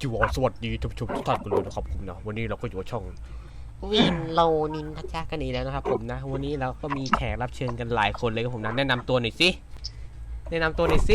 จิวสวัสดีทุกท่านกันเลยนะครับผมนะวันนี้เราก็อยู่ช่องวินโลนินทัชชากันอีกแล้วนะครับผมนะวันนี้เราก็มีแขกรับเชิญกันหลายคนเลยครับผมนะแนะนำตัวหน่อยสิสวัสดีครับสวัส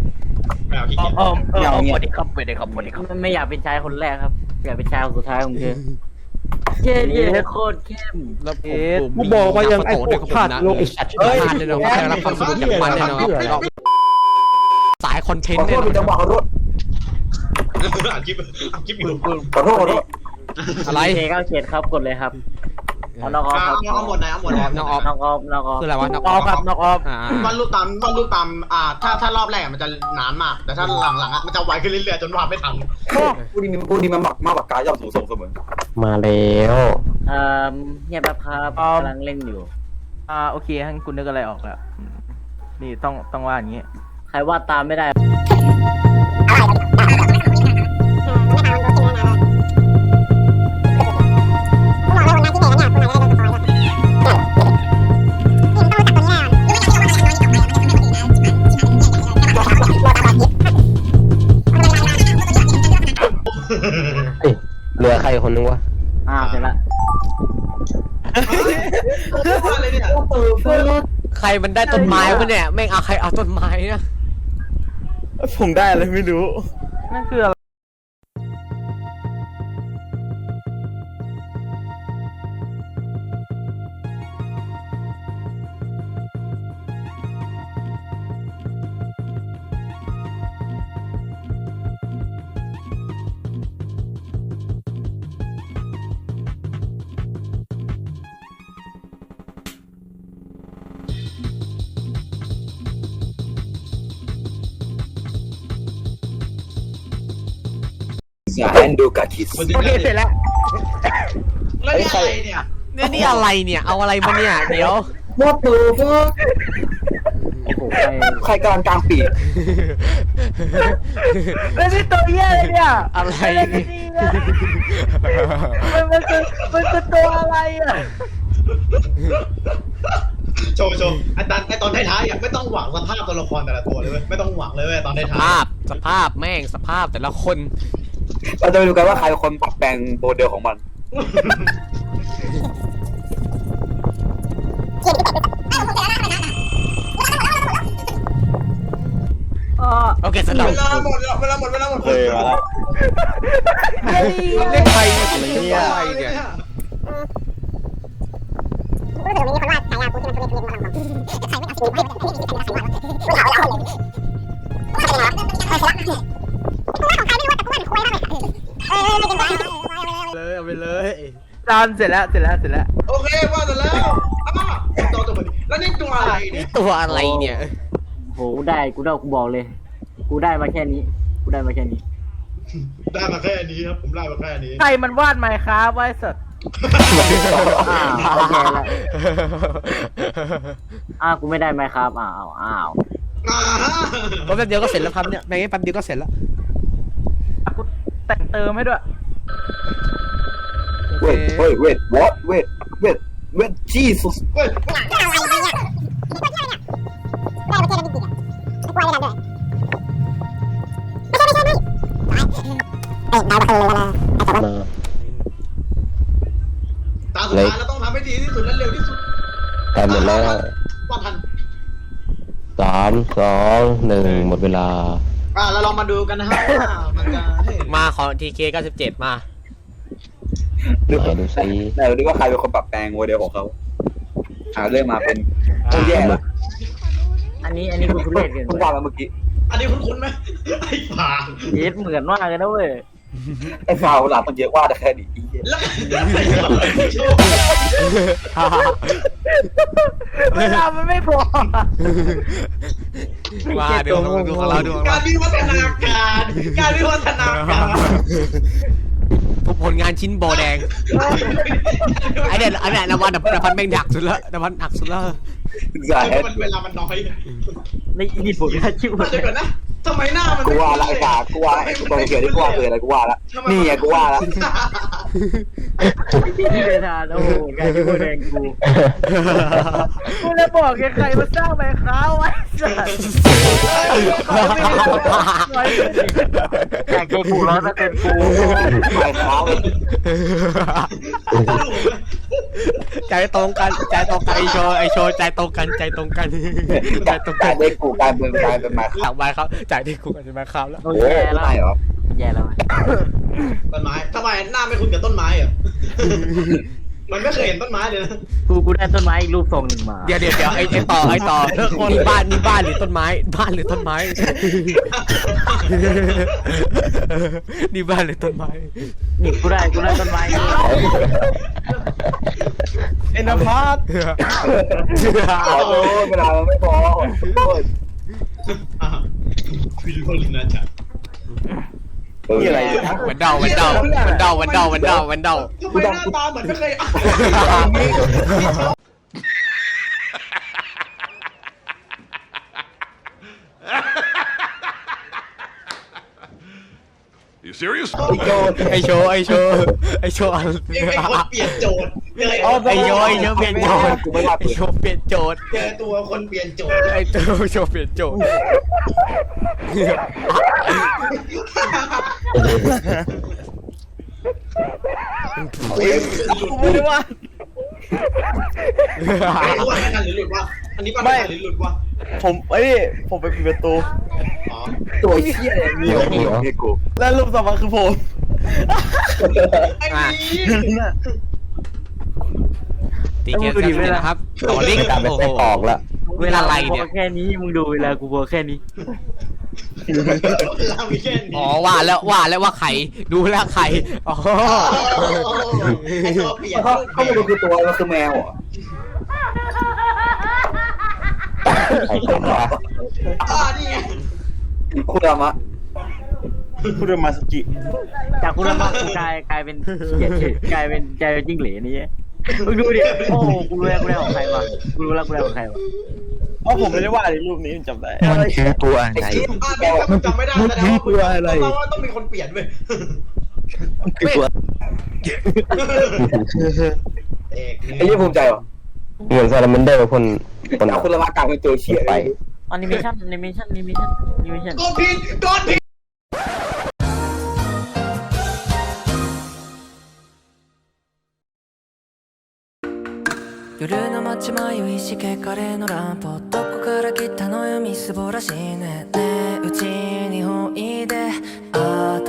ดีครับไม่อยากเป็นชายคนแรกครับอยากเป็นชายคนสุดท้ายของเธอเย้โคตรเข้มแล้วกูบอกว่ายังไอ้พวกพลาดโลกไอ้สัตว์พลาดเลยเนาะแขกรับความสนุกจากมันเลยเนาะสายคอนเทนต์เนี่ยจะบอกรถอัดคลิปอยู่ขอโทษอะไรเคเข้าเขตครับกดเลยครับน้องออฟครับเอาหมดนะเอาหมดนะน้องออฟน้องออฟคืออะไรวะน้องออออฟฟครับน้องออฟวาดรูปตามถ้ารอบแรกมันจะนานมากแต่ถ้าหลังๆมันจะไวขึ้นเรื่อยๆจนวาดไม่ทันกูนี่มันมากกว่ากายย่อมสูงส่งเสมอมาแล้วเงียบแบบครับกำลังเล่นอยู่โอเคท่านคุณนึกอะไรออกแล้วนี่ต้องว่าอย่างนี้ใครวาดตามไม่ได้เหลือใครคนนึงวะเสร็จละอะไรเนี่ยใครมันได้ต้นไม้วะเนี่ยแม่งเอาใครเอาต้นไม้นะผมได้อะไรไม่รู้นั่นคืออะไรแอนดูกาคิสโอเคเสร็จแล้วแล้วนี่อะไรเนี่ยนี่อะไรเนี่ยเอาอะไรมาเนี่ยเดี๋ยวว่าตูฟโอ้โหใครกำลังกลางปีกแล้วนี่ตัวเหี้ยอะไรเนี่ยอะไรมันคือตัวอะไรอ่ะโชว์ไอตอนท้ายๆไม่ต้องหวังสภาพตัวละครแต่ละตัวเลยไม่ต้องหวังเลยตอนท้ายสภาพแม่งสภาพแต่ละคนเราจะไปดูกันว่าใครเป็นคนปรับแปลงโมเดลของมันโอเคสำหรับเวลาหมดเคยมาแล้วเล่นไปอะไรเนี่ยรู้สึกมีคนวาดฉายากูที่มันทุเรศมาทำใครไม่เอาสีไม่มีใครเอาสีวาดกูถามแล้วคนเลยกูวาดของใครไม่รู้แต่กูวาดคุยมากเลยเลยเอาไปเลยจานเสร็จแล้วโอเควาดเสร็จแล้วตัวนี้แล้วนี่ตัวอะไรเนี่ยตัวอะไรเนี่ยโหกูบอกเลย กูได้มาแค่นี้ได้มาแค่นี้ครับผมได้มาแค่นี้ใครมันวาดไมค์ครับไว้สดโอเคแล้วกูไม่ได้ไหมครับอ้าวแป๊บเดียวก็เสร็จแล้วครับเนี่ยแม่งแป๊บเดียวก็เสร็จแล้วกูแต่งเติมให้ด้วยเวทจีสุสเว้ยอะไรเนี่ยได้มาเจอกันจริงๆอ่ะไม่กลัวเลยนะด้วยไม่ดาวมาเลยนะไอ้ตัวตาสุดท้ายเราต้องทำให้ดีที่สุดและเร็วที่สุดแต่หมดแล้วว่าทัน 3 2 1หมดเวลาเราลองมาดูกันนะฮะว่ามันจะมาของ TK 97มาดูซิแต่ดูว่าใครเป็นคนปรับแปลงโมเดลของเขาเรื่องมาเป็นแย่ละอันนี้กูทุเรศเกินคุณว่าแล้วเมื่อกี้อันนี้คุ้นๆไหมไอ้ป่าเย็ดเหมือนมากเลยนะเว้ยไอ้ฟาวหลับมันเยอะว่าแต่แค่นี้แล้วเวลามันไม่พอมาดูของเราดูการวิวัฒนาการผลงานชิ้นโบแดงไอเด็ดอันนี้นวันดับพันแม่งดักสุดละดับพันหักสุดละใช่เวลามันน้อยนี่ผมแค่ชิวเดี๋ยวก่อนนะทำไมหน้ามันกูว่าละไอ้กากูว่าไอ้ตัวเขียวที่กูว่าเลยอะไรกูว่าละนี่ไงกูว่าละที่เดทานโอ้โหกลายเป็นผู้แดงกูกูเลยบอกแกใครมาสร้างแบงค์ค้าไว้สัสอยากเจอกู100%กูไปเท้าใจตรงกันใจตรงกันไอโชว์ใจตรงกันใจตรงกันใจตรงกักาน รได้กูกลายเป็นมาหลังไปครับจ่ายที่กูกันจะมาครับแล้วโอ้โอ้ยยแย่แล้วไม่เหรอแย่แล้วต้นไม้ทำไมหน้าไม่คุ้นกับต้นไม้อ่ะ มันไม่เคยเห็นต้นไม้เลยนะกูได้ต้นไม้อีกรูปทรงหนึ่งมาเดี๋ยวไอต่อนี่บ้านหรือต้นไม้บ้านหรือต้นไม้นี่บ้านหรือต้นไม้นี่กูได้ต้นไม้เอ็นพาร์ตขอโทษเวลามันไม่พอฟิลโลลินาจัดนี่อะไรวันเดาทำไมหน้าตาเหมือนไม่เคยอ่าน You serious? ไอโชว์เองเป็นคนเปลี่ยนโจทย์เลยไอโชว์เปลี่ยนโจทย์ไอโชว์เปลี่ยนโจทย์เจอตัวคนเปลี่ยนโจทย์ไอโชว์เปลี่ยนโจทย์ไม่ได้ว่าไม่รู้ว่าทันหรือหลุดวะอันนี้ปั้นทันหรือหลุดวะผมไปปิดประตูอ๋อตัวเชี่ยอะไรมีให้กูแล้วรูปต่อมาคือผมไอ้นี่ตีเกมกันเลยนะครับต่อลิงก์โอ้โหเวลาอะไรกูเนี่ยบอกแค่นี้มึงดูเวลากูบอกแค่นี้เรามีแค่นี้อ๋อว่าแล้วว่าใครดูแล้วใครอ๋อไอ้ตัวเปลี่ยนเขาไม่รู้คือตัวมันคือแมวเหรอใครเป็นวะนี่ไงคุณธรรมะคุณมาสกิจากคุณละมากูกลายเป็นกลายเป็นจิ้งเหลนนี่มึงดูดิโอ้กูรู้แล้วกูได้ของใครวะกูรู้แล้วกูได้ของใครวะเพราะผมไม่ได้ว่าในรูปนี้จำได้มันคือตัวอะไรไอ้ที่เป็นจำไม่ได้แสดงว่าต้องมีคนเปลี่ยนเว้ยคือตัวเอกไอ้ยี่ภูมิใจเหรอเหมือนซาลามันเดอร์คนเอาคุณธรรมะกลายเป็นตัวเชี่ยไปแอนิเมชั่นกดผิด夜の街迷いしけカレーのランプどこから来たのよみすぼらしいねねえうちにおいで